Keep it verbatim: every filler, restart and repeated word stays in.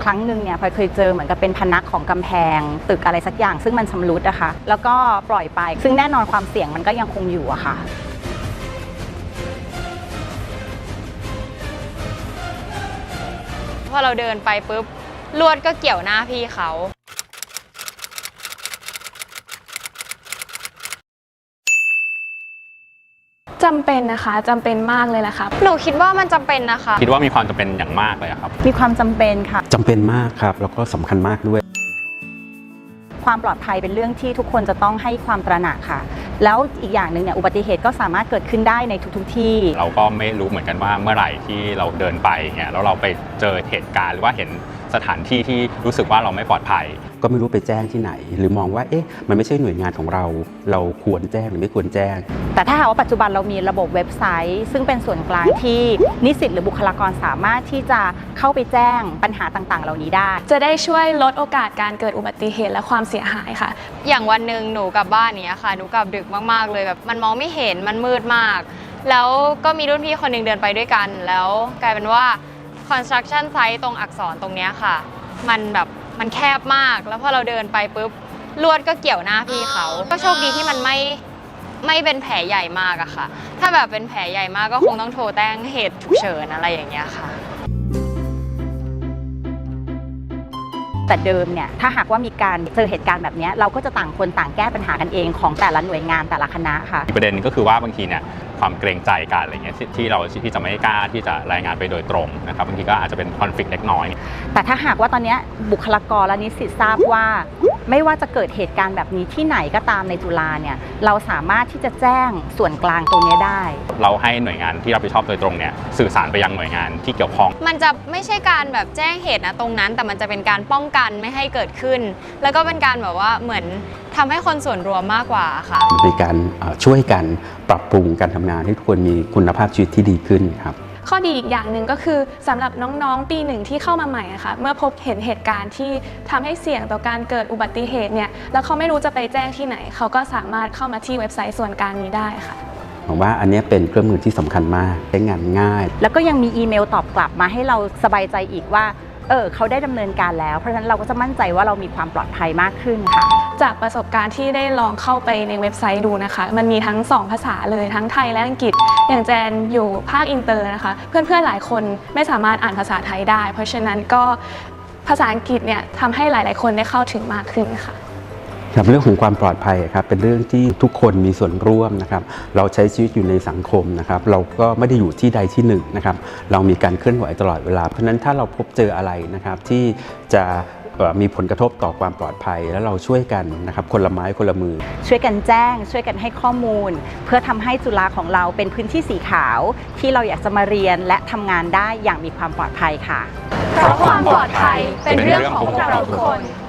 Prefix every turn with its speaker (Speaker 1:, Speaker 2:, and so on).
Speaker 1: ครั้งหนึ่งเนี่ยพลอยเคยเจอเหมือนกับเป็นพนักของกำแพงตึกอะไรสักอย่างซึ่งมันชำรุดนะคะแล้วก็ปล่อยไปซึ่งแน่นอนความเสี่ยงมันก็ยังคงอยู่อะค่ะ
Speaker 2: พอเราเดินไปปุ๊บลวดก็เกี่ยวหน้าพี่เขา
Speaker 3: จำเป็นนะคะจำเป็นมากเลยแหละค่ะ
Speaker 2: หนูคิดว่ามันจำเป็นนะคะ
Speaker 4: คิดว่ามีความจำเป็นอย่างมากเลยครับ
Speaker 1: มีความจำเป็นค่ะ
Speaker 5: จำเป็นมากครับแล้วก็สำคัญมากด้วย
Speaker 1: ความปลอดภัยเป็นเรื่องที่ทุกคนจะต้องให้ความตระหนักค่ะแล้วอีกอย่างหนึ่งเนี่ยอุบัติเหตุก็สามารถเกิดขึ้นได้ในทุกๆที่
Speaker 4: เราก็ไม่รู้เหมือนกันว่าเมื่อไหร่ที่เราเดินไปเนี่ยแล้วเราไปเจอเหตุการณ์หรือว่าเห็นสถานที่ที่รู้สึกว่าเราไม่ปลอดภัย
Speaker 5: ก็ไม่รู้ไปแจ้งที่ไหนหรือมองว่าเอ๊ะมันไม่ใช่หน่วยงานของเราเราควรแจ้งหรือไม่ควรแจ้ง
Speaker 1: แต่ถ้าหากว่าปัจจุบันเรามีระบบเว็บไซต์ซึ่งเป็นส่วนกลางที่นิสิตหรือบุคลากรสามารถที่จะเข้าไปแจ้งปัญหาต่างๆเหล่านี้ได้
Speaker 3: จะได้ช่วยลดโอกาสการเกิดอุบัติเหตุและความเสียหายค่ะ
Speaker 2: อย่างวันหนึ่งหนูกลับบ้านเนี้ยค่ะหนูกลับดึกมากๆเลยแบบมันมองไม่เห็นมันมืดมากแล้วก็มีรุ่นพี่คนหนึ่งเดินไปด้วยกันแล้วกลายเป็นว่า construction site ตรงอักษรตรงเนี้ยค่ะมันแบบมันแคบมากแล้วพอเราเดินไปปุ๊บลวดก็เกี่ยวหน้าพี่เขาก็โชคดีที่มันไม่ไม่เป็นแผลใหญ่มากอะค่ะถ้าแบบเป็นแผลใหญ่มากก็คงต้องโทรแจ้งเหตุฉุกเฉินอะไรอย่างเงี้ยค่ะ
Speaker 1: แต่เดิมเนี่ยถ้าหากว่ามีการเจอเหตุการณ์แบบนี้เราก็จะต่างคนต่างแก้ปัญหากันเองของแต่ละหน่วยงานแต่ละคณะค่ะ
Speaker 4: อีกประเด็นก็คือว่าบางทีเนี่ยความเกรงใจกันอะไรเงี้ยที่เราที่จะไม่กล้าที่จะรายงานไปโดยตรงนะครับบางทีก็อาจจะเป็นคอนฟลิกต์เล็กน้อย
Speaker 1: แต่ถ้าหากว่าตอนนี้บุคลากรและนิสิตทราบว่าไม่ว่าจะเกิดเหตุการณ์แบบนี้ที่ไหนก็ตามในจุฬาเนี่ยเราสามารถที่จะแจ้งส่วนกลางตรงนี้ได้
Speaker 4: เราให้หน่วยงานที่รับผิดชอบโดยตรงเนี่ยสื่อสารไปยังหน่วยงานที่เกี่ยวข้อง
Speaker 2: มันจะไม่ใช่การแบบแจ้งเหตุนะตรงนั้นแต่มันจะเป็นการป้องกันไม่ให้เกิดขึ้นแล้วก็เป็นการแบบว่าเหมือนทำให้คนส่วนรวมมากกว่าค่ะ
Speaker 5: ในการช่วยกันปรับปรุงการทำงานให้ทุกคนมีคุณภาพชีวิตที่ดีขึ้นครับ
Speaker 3: ข้อดีอีกอย่างหนึ่งก็คือสำหรับน้องๆปีหนึ่งที่เข้ามาใหม่นะคะเมื่อพบเห็นเหตุการณ์ที่ทำให้เสี่ยงต่อการเกิดอุบัติเหตุเนี่ยแล้วเขาไม่รู้จะไปแจ้งที่ไหนเขาก็สามารถเข้ามาที่เว็บไซต์ส่วนกลางนี้ได้ค่ะ
Speaker 5: ผมว่าอันนี้เป็นเครื่องมือที่สำคัญมากใช้งานง่าย
Speaker 1: แล้วก็ยังมีอีเมลตอบกลับมาให้เราสบายใจอีกว่าเออเขาได้ดำเนินการแล้วเพราะฉะนั้นเราก็จะมั่นใจว่าเรามีความปลอดภัยมากขึ้นค่ะ
Speaker 3: จากประสบการณ์ที่ได้ลองเข้าไปในเว็บไซต์ดูนะคะมันมีทั้งสองภาษาเลยทั้งไทยและอังกฤษอย่างแจนอยู่ภาคอินเตอร์นะคะเพื่อนๆหลายคนไม่สามารถอ่านภาษาไทยได้เพราะฉะนั้นก็ภาษาอังกฤษเนี่ยทำให้หลายๆคนได้เข้าถึงมากขึ้นค่ะ
Speaker 5: ครับเรื่องของความปลอดภัยครับเป็นเรื่องที่ทุกคนมีส่วนร่วมนะครับเราใช้ชีวิตอยู่ในสังคมนะครับเราก็ไม่ได้อยู่ที่ใดที่หนึ่งนะครับเรามีการเคลื่อนไหวตลอดเวลาเพราะฉะนั้นถ้าเราพบเจออะไรนะครับที่จะมีผลกระทบต่อความปลอดภัยแล้วเราช่วยกันนะครับคนละไม้คนละมือ
Speaker 1: ช่วยกันแจ้งช่วยกันให้ข้อมูลเพื่อทำให้จุฬาของเราเป็นพื้นที่สีขาวที่เราอยากจะมาเรียนและทำงานได้อย่างมีความปลอดภัยค่ะ
Speaker 3: เพราะความปลอดภัยเป็นเรื่องของพวกเราทุกคน